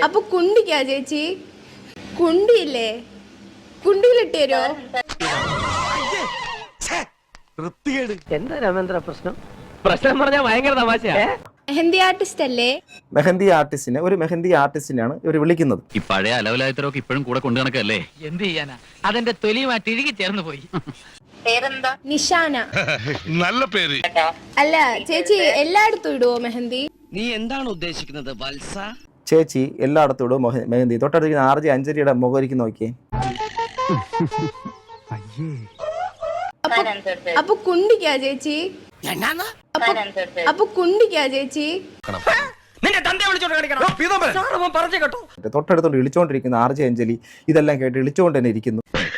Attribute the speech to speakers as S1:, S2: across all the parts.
S1: അപ്പൊ കുണ്ടിക്കാ ചേച്ചി? കുണ്ടിയില്ലേ? കുണ്ടിയിലിട്ട് തരുമോ?
S2: എന്താ രാമേന്ദ്ര പ്രശ്നം? പ്രശ്നം പറഞ്ഞാൽ ഭയങ്കര തമാശയാ.
S1: മെഹന്തി ആർട്ടിസ്റ്റ് അല്ലേ?
S3: മെഹന്തി ആർട്ടിസ്റ്റിനെ ഒരു മെഹന്തി ആർട്ടിസ്റ്റിനെയാണ് ഇവർ വിളിക്കുന്നത്.
S4: ഈ പഴയ അലവലായത്തരൊക്കെ ഇപ്പോഴും കൂടെ കൊണ്ടു നടക്കല്ലേ?
S5: എന്ത് ചെയ്യാനാ, അതെന്റെ തൊലിയുമായിട്ട് ഇഴുകി ചേർന്ന് പോയി.
S1: നിഷാന.
S6: നല്ല പേര്.
S1: അല്ല ചേച്ചി എല്ലായിടത്തും ഇടുവോ മെഹന്തി?
S2: നീ എന്താണ് ഉദ്ദേശിക്കുന്നത് വത്സ?
S3: ചേച്ചി എല്ലായിടത്തും ഇടും മെഹന്തി. തൊട്ടടുത്തിരിക്കുന്ന RJ അഞ്ജലിയുടെ മുഖരിക്ക് നോക്കിയേ.
S1: അപ്പൊ കുണ്ടിക്കാ ചേച്ചി? അപ്പൊ കുണ്ടിക്കാ ചേച്ചി?
S3: തൊട്ടടുത്തോണ്ട് ഇളിച്ചോണ്ടിരിക്കുന്ന RJ അഞ്ജലി ഇതെല്ലാം കേട്ട് ഇളിച്ചോണ്ട് തന്നെ ഇരിക്കുന്നു.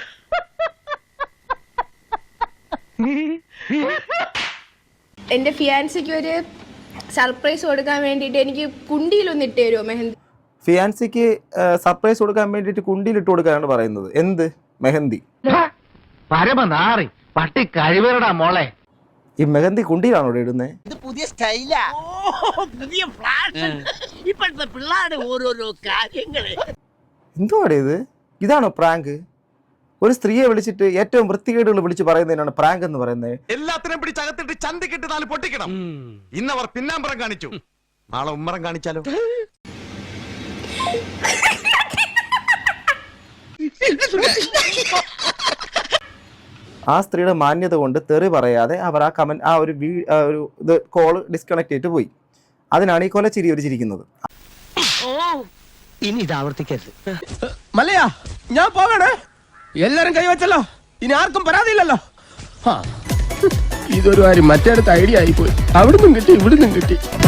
S1: എന്റെ ഫിയാൻസിക്ക് ഒരു സർപ്രൈസ് കൊടുക്കാൻ വേണ്ടിട്ട് എനിക്ക് കുണ്ടിയിലൊന്ന് ഇട്ട് തരുമോ മെഹന്തി?
S3: ഫിയാൻസിക്ക് സർപ്രൈസ് കൊടുക്കാൻ വേണ്ടിട്ട് കുണ്ടിയിൽ ഇട്ട് കൊടുക്കാനാണ് പറയുന്നത്. എന്ത് മെഹന്തി?
S5: പരമനാറി പട്ടി കഴിവേറടാ മോളെ.
S3: ഈ മെഹന്തി കുണ്ടിയിലാണോ ഇടുന്നത്?
S2: ഇത് പുതിയ സ്റ്റൈലാ, പുതിയ ഫ്ലാഷ്. ഇപ്പോഴത്തെ പിള്ളേരുടെ ഓരോരോ കാര്യങ്ങള്.
S3: എന്തുവാടേ ഇത്? ഇതാണോ പ്രാങ്ക്? ഒരു സ്ത്രീയെ വിളിച്ചിട്ട് ഏറ്റവും വൃത്തികേടുകൾ വിളിച്ച് പറയുന്നതിനാണ് പ്രാങ്ക് എന്ന് പറയുന്നത്.
S6: എല്ലാത്തിനും പിടിച്ചകത്തിട്ട് ചന്തിക്കിട്ട് നാല് പൊട്ടിക്കണം. ഇന്നവർ പിന്നാമ്പറം കാണിച്ചു, നാളെ ഉമ്മറം കാണിച്ചാലോ?
S3: ആ സ്ത്രീയുടെ മാന്യത കൊണ്ട് തെറി പറയാതെ അവർ ആ കമന്റ് ആ ഒരു ഇത് കോള് ഡിസ്കണക്ട് ചെയ്തിട്ട് പോയി. അതിനാണ് ഈ കൊലച്ചിരി ഒരു ചിരിക്കുന്നത്.
S2: ഇനി ഇത് ആവർത്തിക്കരുത്.
S7: മല്ലയാ, ഞാൻ പോകണേ. എല്ലാരും കൈവച്ചല്ലോ, ഇനി ആർക്കും പരാതിയില്ലല്ലോ. ഇതൊരു കാര്യം മറ്റേടത്ത് ഐഡിയ ആയിപ്പോയി. അവിടുന്നും കിട്ടി ഇവിടുന്നും കിട്ടി.